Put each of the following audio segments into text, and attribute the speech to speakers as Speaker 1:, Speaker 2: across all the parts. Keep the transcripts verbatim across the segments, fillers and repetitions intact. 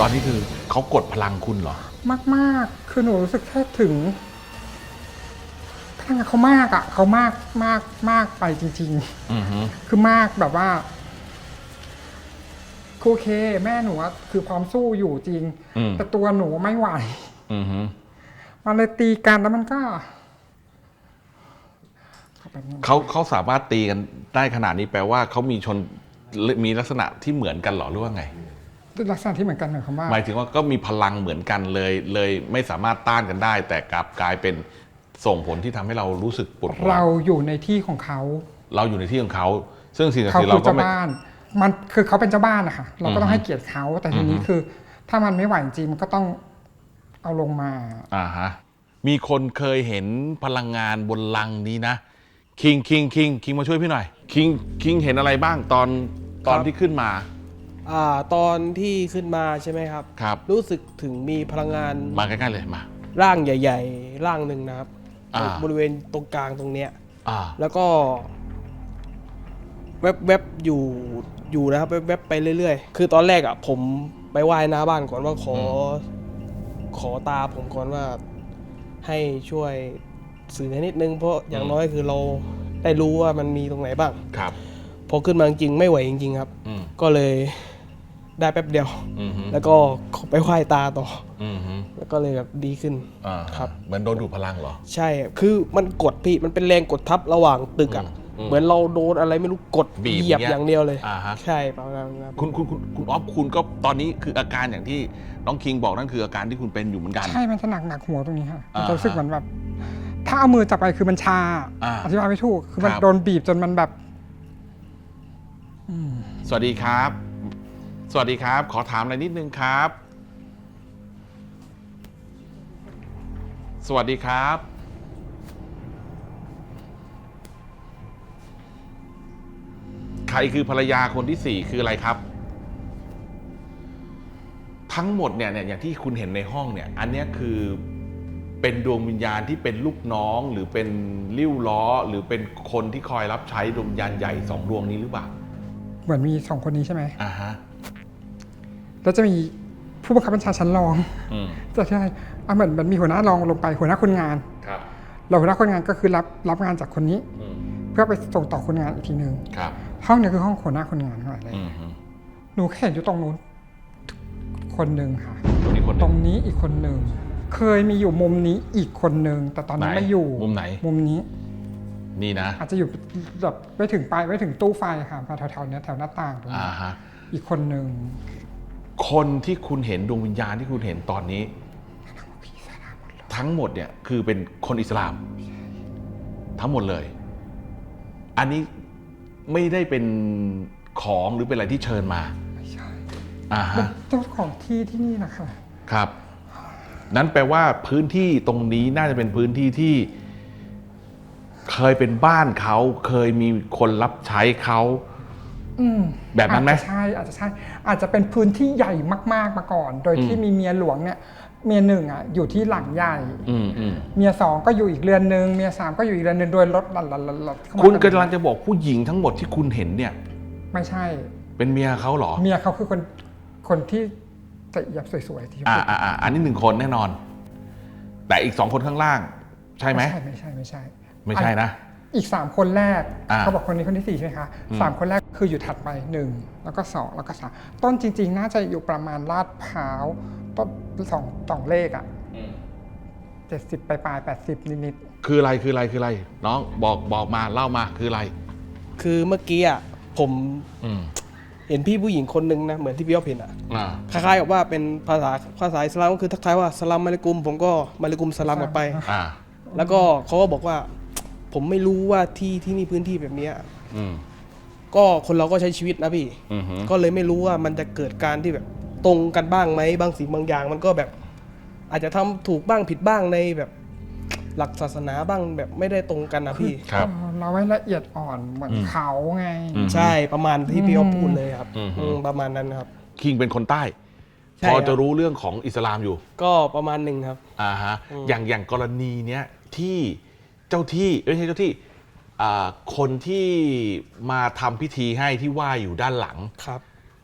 Speaker 1: ตอนนี้คือเขากดพลังคุณเหรอ
Speaker 2: มากๆคือหนูรู้สึกแค่ถึงพลังเขามากอ่ะเขามากมากมากไปจริงๆคือมากแบบว่าโอเคแม่หนูคือพร้อมสู้อยู่จริงแต่ตัวหนูไม่ไหวมันเลยตีกันแล้วมันก็
Speaker 1: เขาเขาสามารถตีกันได้ขนาดนี้แปลว่าเขามีชนมีลักษณะที่เหมือนกันหรอหรือว่าไง
Speaker 2: ลักษณะที่เหมือนกันหมายความว่า
Speaker 1: หมายถึงว่าก็มีพลังเหมือนกันเลยเลยไม่สามารถต้านกันได้แต่กลับกลายเป็นส่งผลที่ทำให้เรารู้สึกปวดหัว
Speaker 2: เราอยู่ในที่ของเขา
Speaker 1: เราอยู่ในที่ของเขาซึ่งสิ่งศักดิ์สิทธิ์เราก็ไม่
Speaker 2: มันคือเขาเป็นเจ้าบ้านนะคะเราก็ต้องให้เกียรติเขาแต่ทีนี้คือถ้ามันไม่ไหวจริงมันก็ต้องเอาลงมา
Speaker 1: อ่าฮะมีคนเคยเห็นพลังงานบนลังนี้นะคิงคิงคิงคิงมาช่วยพี่หน่อยคิงคิงเห็นอะไรบ้างตอนตอนที่ขึ้นมา
Speaker 3: อ่าตอนที่ขึ้นมาใช่ไหมครับ
Speaker 1: ครับ
Speaker 3: รู้สึกถึงมีพลังงาน
Speaker 1: มาใกล้ๆเลยมา
Speaker 3: ร่างใหญ่ๆร่างหนึ่งนะครับบริเวณตรงกลางตรงเนี้ยแล้วก็แวบๆอยู่อยู่นะครับแวบๆไปเรื่อยๆคือตอนแรกอ่ะผมไปไหว้หน้าบ้านก่อนว่าขอขอตาผมก่อนว่าให้ช่วยสื่อให้นิดนึงเพราะอย่างน้อยคือเราได้รู้ว่ามันมีตรงไหนบ้าง
Speaker 1: ครับ
Speaker 3: พอขึ้นมาจริงไม่ไหวจริงๆครับก็เลยได้แป๊บเดียวแล้วก็ไปไหว้ตาต่อแล้วก็เลยแบบดีขึ้นครับ
Speaker 1: เหมือนโดนดูดพลังเหรอ
Speaker 3: ใช่คือมันกดพี่มันเป็นแรงกดทับระหว่างตึกอ่ะเหมือนเราโดนอะไรไม่รู้กดเหยียบอย่างเดียวเลยใช่ประมาณนั้น
Speaker 1: คุณคุณคุณคุณอ๊อฟคุณก็ตอนนี้คืออาการอย่างที่น้องคิงบอกนั่นคืออาการที่คุณเป็นอยู่เหมือนกัน
Speaker 2: ใช่มันจะหนักหนักหัวตรงนี้ค่ะมันจะรู้สึกเหมือนแบบถ้าเอามือจับไปคือมันชาอธิบายไม่ถูกคือมันโดนบีบจนมันแบบ
Speaker 1: สวัสดีครับสวัสดีครับขอถามอะไรนิดนึงครับสวัสดีครับใครคือภรรยาคนที่สี่คืออะไรครับทั้งหมดเนี่ยเนี่ยอย่างที่คุณเห็นในห้องเนี่ยอันนี้คือเป็นดวงวิญญาณที่เป็นลูกน้องหรือเป็นลิ้วล้อหรือเป็นคนที่คอยรับใช้ดวงวิญญาณใหญ่สองดวงนี้หรือเปล่า
Speaker 2: เหมือนมีสองคนนี้ใช่ไหม
Speaker 1: อ่าฮะ
Speaker 2: แล้วจะมีผู้บังคับบัญชาชั้นรองจะใช่เหมือนมันมีหัวหน้ารองลงไปหัวหน้าคนงาน
Speaker 1: ครับ
Speaker 2: เราหัวหน้าคนงานก็คือรับรับงานจากคนนี้เพื่อไปส่งต่อคนงานอีกทีนึงห้องนี้คือห้องหัวหน้าคนงานเท่าไหร่เลยหนูเห็นอยู่ตรงนู้นคนหนึ่งค่ะ
Speaker 1: ตรงนี้คน
Speaker 2: ตรงนี้อีกคนหนึ่งเคยมีอยู่มุมนี้อีกคนหนึ่งแต่ตอนนี้ไม่อยู่
Speaker 1: มุมไหน
Speaker 2: มุมนี้
Speaker 1: นี่นะ
Speaker 2: อาจจะอยู่แบบไม่ถึงปลายไม่ถึงตู้ไฟค่ะแถวๆนี้แถวหน้าต่างตรงนี้อีกคนหนึ่ง
Speaker 1: คนที่คุณเห็นดวงวิญญาณที่คุณเห็นตอนนี้ทั้งหมดเนี่ยคือเป็นคนอิสลามทั้งหมดเลยอันนี้ไม่ได้เป็นของหรือเป็นอะไรที่เชิญมา
Speaker 2: ไม่ใช่
Speaker 1: อ่าฮะ
Speaker 2: เจ้าของที่ที่นี่นะคะ
Speaker 1: ครับนั้นแปลว่าพื้นที่ตรงนี้น่าจะเป็นพื้นที่ที่เคยเป็นบ้านเขาเคยมีคนรับใช้เขาแบบนั้นไหม
Speaker 2: ใช่อาจจะใช่อาจจะเป็นพื้นที่ใหญ่มากๆมาก่อนโดยที่มีเมียหลวงเนี่ยเมียหนึ่งอ่ะอยู่ที่หลังใหญ่เมียสองก็อยู่อีกเรือนนึงเมียสามก็อยู่อีกเรือนนึงโดยรถหลัดๆ
Speaker 1: ๆคุณกำลังจะบอกผู้หญิงทั้งหมดที่คุณเห็นเนี่ย
Speaker 2: ไม่ใช่
Speaker 1: เป็นเมียเขาเหรอ
Speaker 2: เมียเขาคือคนคนที่จะยับสวยๆที่
Speaker 1: อ่าอ่าอันนี้หนึ่งคนแน่นอนแต่อีกสองคนข้างล่างใช่ไหม
Speaker 2: ไม่ใช่ไม่ใช่
Speaker 1: ไม่ใช่นะ
Speaker 2: อีกสามคนแรกเขาบอกคนนี้คนที่สี่ใช่ไหมคะสามคนแรกคืออยู่ถัดไปหนึ่งแล้วก็สองแล้วก็สามต้นจริงๆน่าจะอยู่ประมาณลาดพร้าวต้นสองสองเลขอ่ะเจ็ดสิบปลายปลายแปดสิบนิด
Speaker 1: ๆคืออะไรคืออะไรคืออะไรน้องบอกบอกมาเล่ามาคืออะไร
Speaker 3: คือเมื่อกี้อ่ะผมเห็นพี่ผู้หญิงคนนึงนะเหมือนที่พี่อ๊อฟเห็นอ่ะคล้ายๆกับว่าเป็นภาษาภาษาอิสลามก็คือทักทายว่าสลามอะลัยกุมผมก็มาลัยกุมสลามกลับไปแล้วก็เขาก็บอกว่าผมไม่รู้ว่าที่ที่นี่พื้นที่แบบนี้ก็คนเราก็ใช้ชีวิตนะพี่ก็เลยไม่รู้ว่ามันจะเกิดการที่แบบตรงกันบ้างไหมบางสิ่งบางอย่างมันก็แบบอาจจะทำถูกบ้างผิดบ้างในแบบหลักศาสนาบ้างแบบไม่ได้ตรงกันนะพี่
Speaker 2: เราไม่ละเอียดอ่อนเหมือนเขาไง
Speaker 3: ใช่ประมาณที่พี่อ๊อฟพูดเลยครับประมาณนั้นครับ
Speaker 1: คิงเป็นคนใต้พอจะรู้เรื่องของอิสลามอยู่
Speaker 3: ก็ประมาณหนึ่งครับ
Speaker 1: อ่าฮะอย่างอย่างกรณีเนี้ยที่เจ้าที่ไม่ใช่เจ้าที่คนที่มาทำพิธีให้ที่ว่าอยู่ด้านหลัง
Speaker 3: ครับ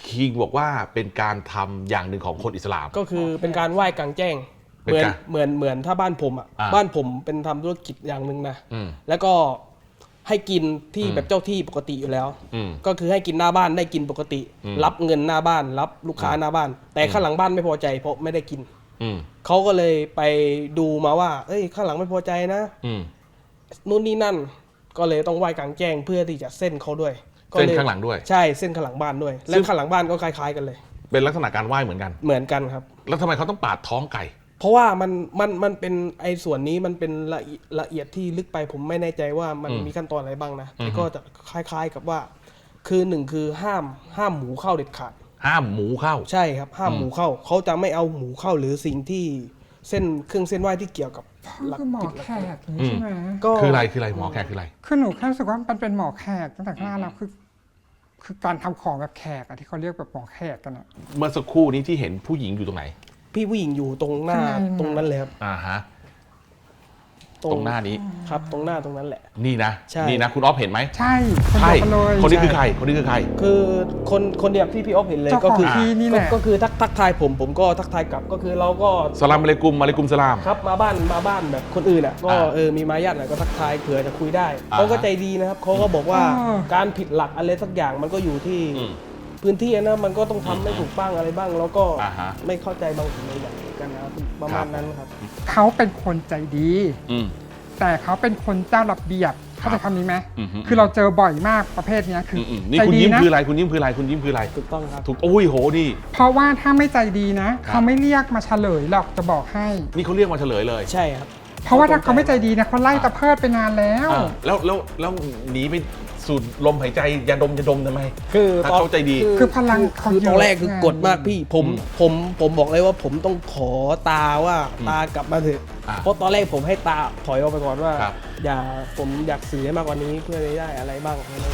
Speaker 1: คิงบอกว่าเป็นการทำอย่างหนึ่งของคนอิสลาม
Speaker 3: ก็คือเป็นการไหว้กลางแจ้ง
Speaker 1: เป็
Speaker 3: เห
Speaker 1: น
Speaker 3: มือน
Speaker 1: การ
Speaker 3: เหมือนเหมือนถ้าบ้านผมอ่ะ
Speaker 1: อ่า
Speaker 3: บ้านผมเป็นทำธุรกิจอย่างหนึ่งนะ
Speaker 1: อืม
Speaker 3: แล้วก็ให้กินที่
Speaker 1: อืม
Speaker 3: แบบเจ้าที่ปกติอยู่แล้ว
Speaker 1: อืม
Speaker 3: ก็คือให้กินหน้าบ้านได้กินปกติ
Speaker 1: อืม
Speaker 3: รับเงินหน้าบ้าน รับลูกค้าหน้าบ้าน แต่ข้างหลังบ้านไม่พอใจเพราะไม่ได้กิน
Speaker 1: อืม
Speaker 3: เขาก็เลยไปดูมาว่า เอ้ยข้างหลังไม่พอใจนะ
Speaker 1: อืม
Speaker 3: นู่นนี่นั่น ก็เลยต้องไหว้กลางแจ้งเพื่อที่จะเส้นเขาด้วยก็
Speaker 1: เส้น
Speaker 3: ย
Speaker 1: ข้างหลังด้วย
Speaker 3: ใช่เส้นข้างหลังบ้านด้วย และ
Speaker 1: ซึ่ง
Speaker 3: ข้างหลังบ้านก็คล้ายๆกันเลย
Speaker 1: เป็นลักษณะการไหว้เหมือนกัน
Speaker 3: เหมือนกันครับ
Speaker 1: แล้วทำไมเขาต้องปาดท้องไก่
Speaker 3: เพราะว่ามันมันมันเป็นไอ้ส่วนนี้มันเป็นละเอียดละเอียดที่ลึกไปผมไม่แน่ใจว่ามัน
Speaker 1: อืม
Speaker 3: มีขั้นตอนอะไรบ้างนะ
Speaker 1: อือฮึ
Speaker 3: แต่ก็จะคล้าย ๆกับว่า คือหนึ่งคือห้ามห้ามหมูเข้าเด็ดขาด
Speaker 1: ห้ามหมูเข้า
Speaker 3: ใช่ครับ ห้าม
Speaker 1: อืม
Speaker 3: หมูเข้าเขาจะไม่เอาหมูเข้าหรือสิ่งที่เส้นเครื่องเส้นไหว้ที่เกี่ยวกับหลัก
Speaker 2: คือหมอ
Speaker 3: ผิดหลัก
Speaker 2: แขกอย่างนี้ใช่ไหม
Speaker 3: ก็
Speaker 1: คืออะไรคืออะไรหมอแขกคืออะไร
Speaker 2: คือหนูแค่รู้สึกว่ามันเป็นหมอแขกตั้งแต่ข้างหน้าแล้วคือ คือการทำของแบบแขกอะที่เขาเรียกแบบหมอแขกกันอะ
Speaker 1: เมื่อสักครู่นี้ที่เห็นผู้หญิงอยู่ตรงไหน
Speaker 3: พี่ผู้หญิงอยู่ตรงหน้า
Speaker 2: ข้างในน่ะ
Speaker 3: ตรงนั้นเลยครับ
Speaker 1: อ่าฮะ ตรงหน้านี้
Speaker 3: ครับ ตรงหน้าตรงนั้นแหละ
Speaker 1: นี่นะ
Speaker 3: ใช่
Speaker 1: นี่นะ คุณออฟเห็นไหม
Speaker 2: ใช่คน
Speaker 1: ใช่
Speaker 2: เดียวกันเลย
Speaker 1: คนนี้คือ
Speaker 3: ใช่
Speaker 1: ใคร คนนี้คือใคร
Speaker 3: คือคนคนเดียวที่พี่ออฟเห็นเลย
Speaker 2: เจ้า
Speaker 3: ก็
Speaker 2: ของ
Speaker 3: คือ
Speaker 2: ที่นี่แหละ
Speaker 3: ก็ก็คือทักทักทายผมผมก็ทักทายกลับก็คือเราก็
Speaker 1: สลามอะลัยกุมอะลัยกุมสลาม
Speaker 3: ครับมาบ้านมาบ้านแบบคนอื่นอ่ะก็
Speaker 1: อ่า
Speaker 3: เออมีมารยาทหน่อยก็ทักทายเผื่อจะคุยได้
Speaker 1: อ่า
Speaker 3: เขาก็ใจดีนะครับเขาก็บอกว่า
Speaker 2: อ๋อ
Speaker 3: การผิดหลักอะไรสักอย่างมันก็อยู่ที่
Speaker 1: อืม
Speaker 3: พื้นที่นะมันก็ต้องทำให้ถูกบ้างอะไรบ้าง แล้วก็
Speaker 1: อ่าฮะ
Speaker 3: ไม่เข้าใจบางสิ่งบางอย่างกันนะครับประมาณนั้นครับ
Speaker 2: เขาเป็นคนใจดี
Speaker 1: อืม
Speaker 2: แต่เขาเป็นคนเจ้าระเบียบเข้าใจคำนี้ไหม
Speaker 1: อืมอืม
Speaker 2: คือเราเจอบ่อยมากประเภทเนี้ยคือ
Speaker 1: อืม
Speaker 2: อ
Speaker 1: อืมนี่
Speaker 2: ใจ
Speaker 1: คุณ
Speaker 2: ดี
Speaker 1: ยิ้ม
Speaker 2: นะ
Speaker 1: คืออะไร คุณยิ้มคืออะไร คุณยิ้มคืออะไร
Speaker 3: ถูกต้องครับ
Speaker 1: ถูก โอ้ยโหนี่
Speaker 2: เพราะว่าถ้าไม่ใจดีนะ
Speaker 1: ครับ
Speaker 2: เขาไม่เรียกมาเฉลยหรอกจะบอกให้
Speaker 1: นี่เขาเรียกมาเฉลยเลย
Speaker 3: ใช่ครับ
Speaker 2: เพราะว่าถ้าเขาไม่ใจดีนะเขาไล่ตะเพิดไปนานแล้ว
Speaker 1: อ่าแล้วแล้วแล้วหนีไปสูดลมหายใจยาดมยาดมทำไม
Speaker 3: คือ
Speaker 1: ถ้า
Speaker 3: ตอน
Speaker 1: เขาใจดี
Speaker 2: คือพลังเขา
Speaker 3: คือ
Speaker 2: เย
Speaker 3: ต
Speaker 2: อะ
Speaker 3: อนแรกคือ
Speaker 2: ไง
Speaker 3: กดมากพี่ผม
Speaker 1: อืม
Speaker 3: ผมผมบอกเลยว่าผมต้องขอตาว่าตากลับมาเถอะ
Speaker 1: อ่า
Speaker 3: เพราะตอนแรกผมให้ตาถอยออกไปก่อนว่า
Speaker 1: ครับ
Speaker 3: อย่าผมอยากสื่อให้มากกว่านี้เพื่อจะได้อะไรบ้างอะไรบ้าง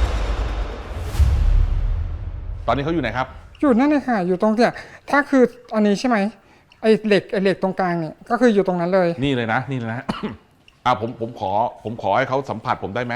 Speaker 1: ตอนนี้เขาอยู่ไหนครับ
Speaker 2: อยู่นั่นเลยค่ะ อยู่ตรงเนี่ยถ้าคืออันนี้ใช่ไหมไอ้เหล็กไอ้เหล็กตรงกลางเนี่ยก็คืออยู่ตรงนั้นเลย
Speaker 1: นี่เลยนะ นี่เลยนะ อ่าผมผมขอ ผมขอให้เขาสัมผัสผมได้ไหม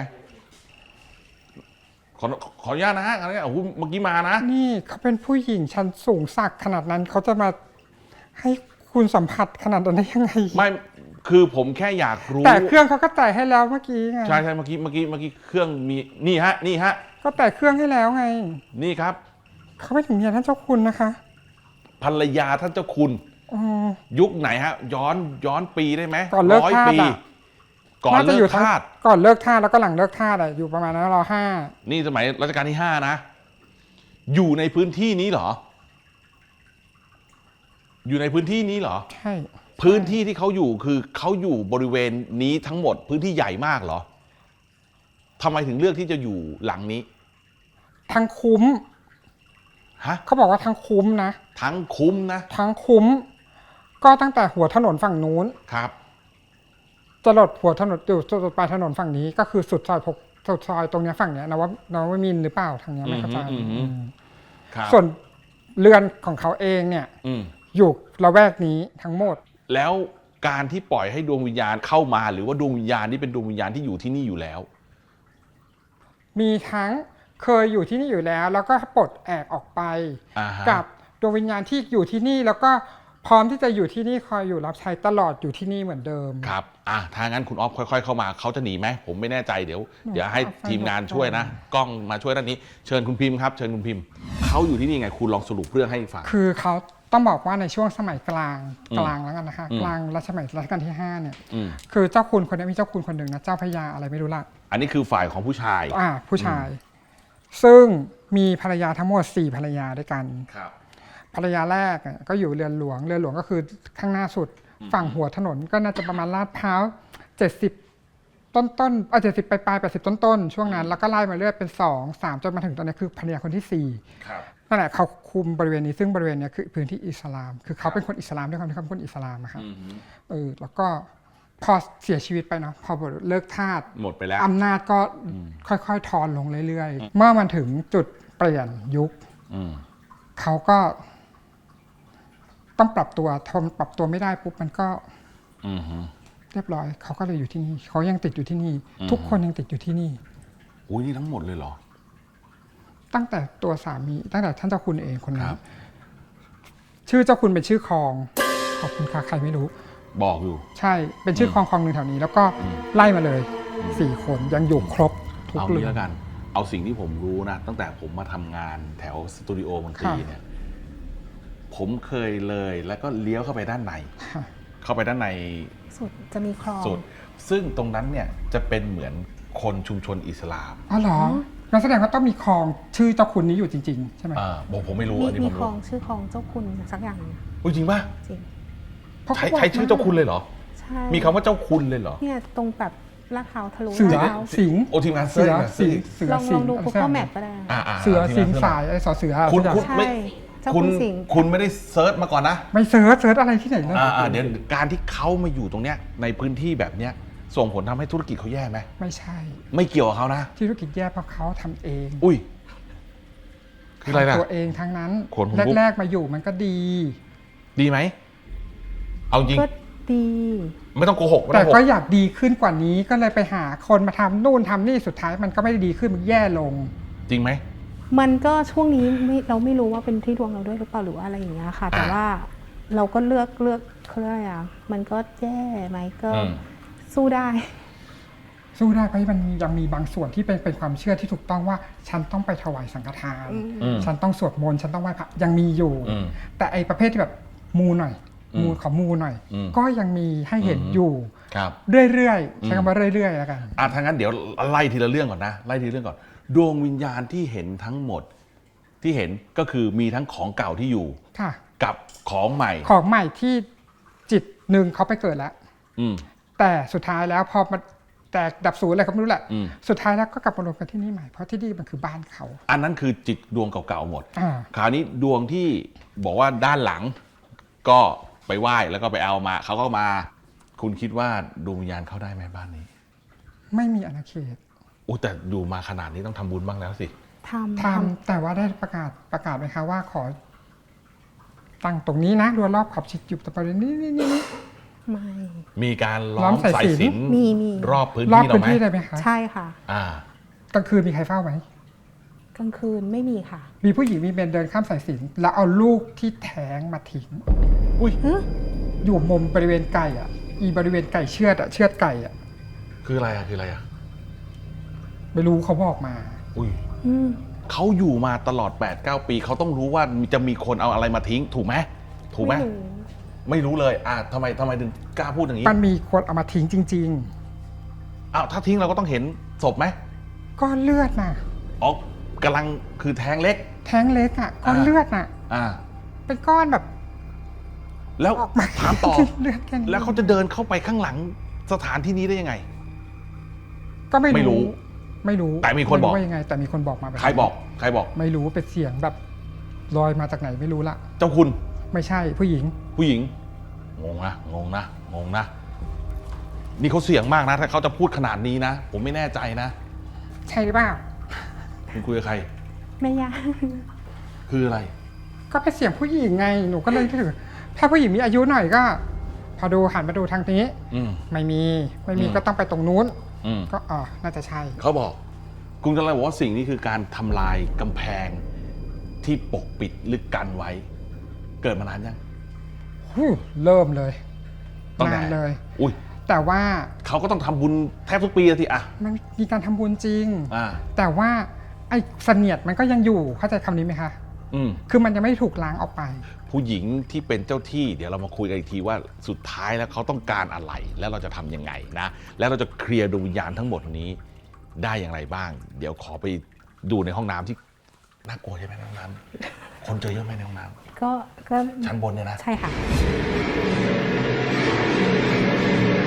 Speaker 1: ขอขออนุญาตนะฮะอะไรเนี่ยโอ้โหเมื่อกี้มานะ
Speaker 2: นี่เขาเป็นผู้หญิงชั้นสูงสักขนาดนั้นเขาจะมาให้คุณสัมผัสขนาดนั้นได้ยังไง
Speaker 1: ไม่ คือผมแค่อยากรู้
Speaker 2: แต่เครื่องเขาก็จ่ายให้แล้วเมื่อกี้ไง
Speaker 1: ใช่ใช่เมื่อกี้ เมื่อกี้ เมื่อกี้เครื่องมี นี่ฮะ นี่ฮะ
Speaker 2: ก็แต่เครื่องให้แล้วไง
Speaker 1: นี่ครับ
Speaker 2: เขาไม่ถึงเมียท่านเจ้าคุณนะคะ
Speaker 1: ภรรยาท่านเจ้าคุณ
Speaker 2: อืม
Speaker 1: ยุคไหนฮะ ย้อนย้อนปีได้ไหม
Speaker 2: ก่อนเลิก
Speaker 1: ร้อย
Speaker 2: ทาส
Speaker 1: ปี
Speaker 2: อะ
Speaker 1: ก่อน
Speaker 2: น่าจะ
Speaker 1: เลิ
Speaker 2: อยู่
Speaker 1: ก
Speaker 2: ทั้ง
Speaker 1: ทาส
Speaker 2: ก่อนเลิกท่าสแล้วก็หลังเลิกท่าสอะอยู่ประมาณนั้นรอห้า
Speaker 1: นี่สมัยรัชกาลที่ห้านะ อยู่ในพื้นที่นี้เหรอ อยู่ในพื้นที่นี้เหรอ
Speaker 2: ใช่
Speaker 1: พื้นที่ที่เขาอยู่คือเขาอยู่บริเวณนี้ทั้งหมดพื้นที่ใหญ่มากเหรอทำไมถึงเลือกที่จะอยู่หลังนี้
Speaker 2: ทั้งคุ้ม
Speaker 1: ฮะ
Speaker 2: เขาบอกว่าทั้งคุ้มนะ
Speaker 1: ทั้งคุ้มนะ
Speaker 2: ทั้งคุ้ม ก็ตั้งแต่หัวถนนฝั่งนู้น
Speaker 1: ครับ
Speaker 2: จะหลดหัวถนนอยู่สุดปลายถนนฝั่งนี้ ก็คือสุดซอยพกสุดซอยตรงเนี้ยฝั่งเนี้ยนวนวมินทร์หรือเปล่าทางเนี้ยไม่เข้าใจ
Speaker 1: อืมอืมอืม
Speaker 2: อืม
Speaker 1: ครับ
Speaker 2: ส่วนเรือนของเขาเองเนี่ย
Speaker 1: อืม
Speaker 2: อยู่ละแวกนี้ทั้งหมด
Speaker 1: แล้วการที่ปล่อยให้ดวงวิญญาณเข้ามา หรือว่าดวงวิญญาณนี่เป็นดวงวิญญาณที่อยู่ที่นี่อยู่แล้ว
Speaker 2: มีทั้งเคยอยู่ที่นี่อยู่แล้ว แล้วก็ปลดแอกออกไป
Speaker 1: อ่าฮะ
Speaker 2: กับดวงวิญญาณที่อยู่ที่นี่ แล้วก็พร้อมที่จะอยู่ที่นี่คอยอยู่รับใช้ตลอดอยู่ที่นี่เหมือนเดิม
Speaker 1: ครับ อ่ะถ้างั้นคุณออฟค่อย ๆ เข้ามาเขาจะหนีไหมผมไม่แน่ใจเดี๋ยวเดี๋ยวให้ทีมงานช่วยนะ กล้องมาช่วยด้านนี้ เชิญคุณพิมพ์ครับเชิญคุณพิมพ์เขาอยู่ที่นี่ไงคุณลองสรุปเรื่องให้ฟัง
Speaker 2: คือเขาต้องบอกว่าในช่วงสมัยกลาง
Speaker 1: อืม
Speaker 2: กลางแล้วกันนะคะ
Speaker 1: อืม
Speaker 2: กลางรัชสมัยรัชกาลที่ห้าเนี่ย
Speaker 1: อืม
Speaker 2: คือเจ้าคุณคนนี้มีเจ้าคุณคนหนึ่งนะเจ้าพระยาอะไรไม่รู้ละ
Speaker 1: อันนี้คือฝ่ายของผู้ชาย
Speaker 2: อ่าผู้ชาย ซึ่งมีภรรยาทั้งหมดสี่ภรรยาด้วยกัน
Speaker 1: ครับ
Speaker 2: ภรรยาแรกเนี่ยก็อยู่เรือนหลวงเรือนหลวงก็คือข้างหน้าสุดฝั่งหัวถนนก็น่าจะประมาณลาดพร้าวเจ็ดสิบต้นต้นอ่ะเจ็ดสิบปลายปลายแปดสิบต้นต้นช่วงนั้นแล้วก็ไล่มาเรื่อยเป็นสองสามจนมาถึงตอนนี้คือภรรยาคนที่สี่
Speaker 1: ครับ
Speaker 2: นั่นแหละเขาคุมบริเวณนี้ซึ่งบริเวณเนี้ยคือพื้นที่อิสลาม คือเขาเป็นคนอิสลามด้วยความที่เขาเป็นคนอิสลามอะครับ
Speaker 1: อืมฮึ
Speaker 2: เออแล้วก็พอเสียชีวิตไปเนาะพอเลิกทาส
Speaker 1: หมดไปแล้ว
Speaker 2: อำนาจก็ค่อยๆทอนลงเรื่อยๆ เมื่อมันถึงจุดเปลี่ยนยุค
Speaker 1: อืม
Speaker 2: เขาก็ต้องปรับตัวทนปรับตัวไม่ได้ปุ๊บมันก็
Speaker 1: อืมฮึ
Speaker 2: เรียบร้อย เขาก็เลยอยู่ที่นี่ เขายังติดอยู่ที่นี่
Speaker 1: อืม
Speaker 2: ทุกคนยังติดอยู่ที่นี่
Speaker 1: อุ้ยนี่ทั้งหมดเลยเหรอ
Speaker 2: ตั้งแต่ตัวสามีตั้งแต่ท่านเจ้าคุณเองคน
Speaker 1: ค
Speaker 2: นั้
Speaker 1: รั
Speaker 2: น
Speaker 1: บ
Speaker 2: ชื่อเจ้าคุณเป็นชื่อคลองขอบคุณค่ะใครไม่รู้
Speaker 1: บอกอยู่
Speaker 2: ใช่เป็นชื่อคลองคลองหนึ่งแถวนี้ แล้วก็ไล่มาเลยสี่คนยังอยู่ครบทุก
Speaker 1: เอา
Speaker 2: เรื่
Speaker 1: งี้
Speaker 2: อง
Speaker 1: แล้วกัน เอาสิ่งที่ผมรู้นะ ตั้งแต่ผมมาทำงานแถวสตูดิโอมนตรี
Speaker 2: ค่ะ
Speaker 1: เนี่ย ผมเคยเลยแล้วก็เลี้ยวเข้าไปด้านใน
Speaker 2: ค่ะ
Speaker 1: เข้าไปด้านใน
Speaker 4: สุดจะมีคลอง
Speaker 1: สุด ซึ่งตรงนั้นเนี่ยจะเป็นเหมือนคนชุมชนอิสลาม
Speaker 2: อ๋อเหรองั้นแสดงว่าต้องมีคลองชื่อเจ้าคุณนี้อยู่จริง ๆ ใช่ไหม
Speaker 1: อ่าบอกผมไม่รู้
Speaker 4: มี
Speaker 1: อันนี้
Speaker 4: มี
Speaker 1: ผม
Speaker 4: คลอ
Speaker 1: รู้
Speaker 4: งชื่อคลองเจ้าคุณสักอย่างหนึ่ง
Speaker 1: อุ้ยจริงป่ะ
Speaker 4: จริง
Speaker 2: เพราะ
Speaker 1: ใช้
Speaker 2: เขาบอก
Speaker 1: ใช้ชื่อเจ้าคุณเลยเหรอ
Speaker 4: ใช่
Speaker 1: มีคำว่าเจ้าคุณเลยเหรอ
Speaker 4: เนี่ยตรงแบบลาดพร้าวทะลุ
Speaker 2: เสือ
Speaker 4: ลาดพร้าว
Speaker 2: สิงห์
Speaker 1: โอทีมงานเซิ
Speaker 2: เสื
Speaker 1: ร์ช
Speaker 2: อ
Speaker 1: หน่อย
Speaker 2: สิงห์เสือ
Speaker 4: ลอง
Speaker 2: สิ
Speaker 4: ลอง
Speaker 2: งห์
Speaker 4: ดู
Speaker 2: อะไร
Speaker 4: Google
Speaker 2: สัก
Speaker 4: Map ก็ได้
Speaker 1: อ่าา
Speaker 2: เสือ
Speaker 1: ทีม
Speaker 2: สิ
Speaker 1: ง
Speaker 2: ง
Speaker 1: น
Speaker 2: ห์
Speaker 1: เซิร์ชหน่
Speaker 2: สายไอ้สอเสือ
Speaker 1: คุณ
Speaker 2: สักอย่าง
Speaker 1: คุณไม่
Speaker 4: ใช่เจ้า
Speaker 1: คุ
Speaker 4: คุณ ณสิงห์
Speaker 1: คุณไม่ได้เซิร์ชมาก่อนนะ
Speaker 2: ไม่เซิร์ชเซิร์ชอะไรที่ไหนเลย
Speaker 1: อ่าอ่าเดี๋ยวการที่เขามาอยู่ตรงเนี้ยในพื้นที่แบบเนี้ยส่งผลทำให้ธุรกิจเขาแย่ไหม
Speaker 2: ไม่ใช่
Speaker 1: ไม่เกี่ยวกับเขานะ
Speaker 2: ที่ธุรกิจแย่เพราะเขาทำเอง
Speaker 1: อุ้ย คืออะไรล่ะ
Speaker 2: ทำตัวเองทั้งนั้น
Speaker 1: ขนผมลุก
Speaker 2: แรกๆมาอยู่มันก็ดี
Speaker 1: ดีไหม เอาจริง
Speaker 4: ก็ดี
Speaker 1: ไม่ต้องโกหกไม่
Speaker 2: แต่
Speaker 1: ต้องโก
Speaker 2: ก็
Speaker 1: หก
Speaker 2: อยากดีขึ้นกว่านี้ก็เลยไปหาคนมาทำนู่นทำนี่สุดท้ายมันก็ไม่ได้ดีขึ้นมันแย่ลง
Speaker 1: จริงไหม
Speaker 4: มันก็ช่วงนี้ไม่เราไม่รู้ว่าเป็นที่ดวงเราด้วยหรือเปล่าหรือว่าอะไรอย่างเงี้ยค่ะ แต่
Speaker 1: อ่า
Speaker 4: ว่าเราก็เลือกเลือกเขาเรียกอะไรอ่ะมันก็แย่ไหมก็
Speaker 1: อืม
Speaker 4: สู้ได้
Speaker 2: สู้ได้เพราะมันยังมีบางส่วนที่เป็นเป็นความเชื่อที่ถูกต้องว่า ฉันต้องไปถวายสังฆทาน
Speaker 1: อืม
Speaker 2: ฉันต้องสวดมนต์ฉันต้องไหว้พระยังมีอยู่
Speaker 1: อืม
Speaker 2: แต่ไอประเภทที่แบบมูหน่อย
Speaker 1: อืม
Speaker 2: มูขอมูหน่อย
Speaker 1: อืม
Speaker 2: ก็ยังมีให้เห็น
Speaker 1: อืม
Speaker 2: อยู่
Speaker 1: ครับ
Speaker 2: เรื่อยๆใช้คำว่าเรื่อยๆแล้วกัน
Speaker 1: อ่ะถ้างั้นเดี๋ยวไล่ทีละเรื่องก่อนนะ ไล่ทีละเรื่องก่อน ดวงวิญญาณที่เห็นทั้งหมด ที่เห็นก็คือมีทั้งของเก่าที่อยู่
Speaker 2: ค่ะ
Speaker 1: กับของใหม่
Speaker 2: ของใหม่ที่จิตหนึ่งเขาไปเกิดแล้ว
Speaker 1: อืม
Speaker 2: แต่สุดท้ายแล้วพอมันแตกดับศูนย์อะไรก็ไม่รู้แหละ
Speaker 1: อืม
Speaker 2: สุดท้ายแล้วก็กลับมารวมกันที่นี่ใหม่เพราะที่นี่มันคือบ้านเขา
Speaker 1: อันนั้นคือจิตดวงเก่าๆหมด
Speaker 2: อ่า
Speaker 1: คราวนี้ดวงที่บอกว่าด้านหลัง ก็ไปไหว้แล้วก็ไปเอามาเขาก็มา คุณคิดว่าดวงวิญญาณเข้าได้ไหมบ้านนี้
Speaker 2: ไม่มีอาณาเขต
Speaker 1: โอ้แต่อยู่มาขนาดนี้ต้องทำบุญบ้างแล้วสิ
Speaker 4: ทำ
Speaker 2: ทำแต่ว่าได้ประกาศประกาศไหมคะว่าขอ ตั้งตรงนี้นะรั้วรอบขอบชิดอยู่ตะปรินี่นี่นี่
Speaker 4: ไม่
Speaker 1: มีการล้
Speaker 2: ล้
Speaker 1: อ
Speaker 2: อ
Speaker 1: ม
Speaker 2: มสาย
Speaker 1: สาย
Speaker 2: สิญจน์
Speaker 1: สิญจน์
Speaker 4: มีมี
Speaker 1: รอบพื้น
Speaker 2: รอบ
Speaker 1: ที่เรา
Speaker 2: พื้น
Speaker 1: ไหม
Speaker 2: ที่ได้ไหมคะ
Speaker 4: ใช่ค่ะ
Speaker 1: อ่า
Speaker 2: กลางคืนมีใครเฝ้าไหม
Speaker 4: กลางคืนไม่มีค่ะ
Speaker 2: มีผู้หญิงมีเมนเดินข้ามสายสิญจน์แล้วเอาลูกที่แท้งมาทิ้ง
Speaker 1: อุ้ย
Speaker 2: อยู่มุมบริเวณไก่อ่ะ อีบริเวณไก่เชือดอ่ะเชือดไก่อ่ะ
Speaker 1: คืออะไรอะคืออะไรอะ
Speaker 2: ไม่รู้เขาบอกมา
Speaker 1: อุ้ย
Speaker 4: อืม
Speaker 1: เขาอยู่มาตลอดแปดเก้าปีเขาต้องรู้ว่าจะมีคนเอาอะไรมาทิ้ง ถูกไหมถูกไหม
Speaker 4: ไม่รู้
Speaker 1: ไม่รู้เลย อ่ะทำไมทำไมถึงกล้าพูดอย่างนี้
Speaker 2: มันมีคนเอามาทิ้งจริง
Speaker 1: อ้าวถ้าทิ้งเราก็ต้องเห็นศพไหม
Speaker 2: ๆ ก้อนเลือดน่ะ
Speaker 1: อ๋อกำลังคือแท้งเล็ก
Speaker 2: แท้งเล็กอ่ะก้อน
Speaker 1: อ่า
Speaker 2: เลือดน่ะ
Speaker 1: อ่า
Speaker 2: เป็นก้อนแบบ
Speaker 1: แล้ว
Speaker 2: ออกมา
Speaker 1: ถามต่อ
Speaker 2: เลือดแค่นี้
Speaker 1: แล้วเขาจะเดินเข้าไปข้างหลังสถานที่นี้ได้ยังไง
Speaker 2: ก็ไม่
Speaker 1: ไม่รู้
Speaker 2: รู้ ไม่รู้
Speaker 1: แต่มีคนบอก
Speaker 2: ไรู้ว่ายังไง แต่มีคนบอกมาแบบ
Speaker 1: ใครบอก ใครบอก
Speaker 2: ไม่รู้เป็นเสียงแบบลอยมาจากไหนไม่รู้ละ
Speaker 1: เจ้าคุณ
Speaker 2: ไม่ใช่ผู้หญิง
Speaker 1: ผู้หญิง งงนะ งงนะ งงนะ นี่เขาเสี่ยงมากนะ ถ้าเขาจะพูดขนาดนี้นะ ผมไม่แน่ใจนะ
Speaker 2: ใช่หรือเปล่า
Speaker 1: คุณคุยกับใคร
Speaker 4: ไม่ยาก
Speaker 1: คืออะไร
Speaker 2: ก็เป็นเสียงผู้หญิงไงหนูก็เลยถือถ้าผู้หญิงมีอายุหน่อยก็ พอดูหันมาดูทางนี้
Speaker 1: อืม
Speaker 2: ไม่มีไม่มี
Speaker 1: อืม
Speaker 2: ก็ต้องไปตรงนู้น
Speaker 1: อืม
Speaker 2: ก็อ๋อน่าจะใช่
Speaker 1: เขาบอก คุณกำลังบอกว่าสิ่งนี้คือการทำลายกำแพงที่ปกปิดลึกกันไว้ เกิดมานานยัง
Speaker 2: ฮู้เริ่มเลย
Speaker 1: ตั้งแต่
Speaker 2: นานเลย
Speaker 1: อุ้ย
Speaker 2: แต่ว่า
Speaker 1: เขาก็ต้องทำบุญแทบทุกปีอะทีอะ
Speaker 2: มันมีการทำบุญจริง
Speaker 1: อ่า
Speaker 2: แต่ว่าไอ้เสนียดมันก็ยังอยู่เข้าใจคำนี้ไหมคะ
Speaker 1: อืม
Speaker 2: คือมันยังไม่ถูกล้างออกไป
Speaker 1: ผู้หญิงที่เป็นเจ้าที่เดี๋ยวเรามาคุยกันอีกทีว่าสุดท้ายแล้วเขาต้องการอะไร แล้วเราจะทำยังไงนะ แล้วเราจะเคลียร์ดวงวิญญาณทั้งหมดนี้ได้อย่างไรบ้าง เดี๋ยวขอไปดูในห้องน้ำที่น่ากลัวใช่ไหมในห้องน้ำคนเจอเยอะไหมในห้องน้
Speaker 4: ก็ก็
Speaker 1: ำชั้นบนเนี่ยนะ
Speaker 4: ใช่ค่ะ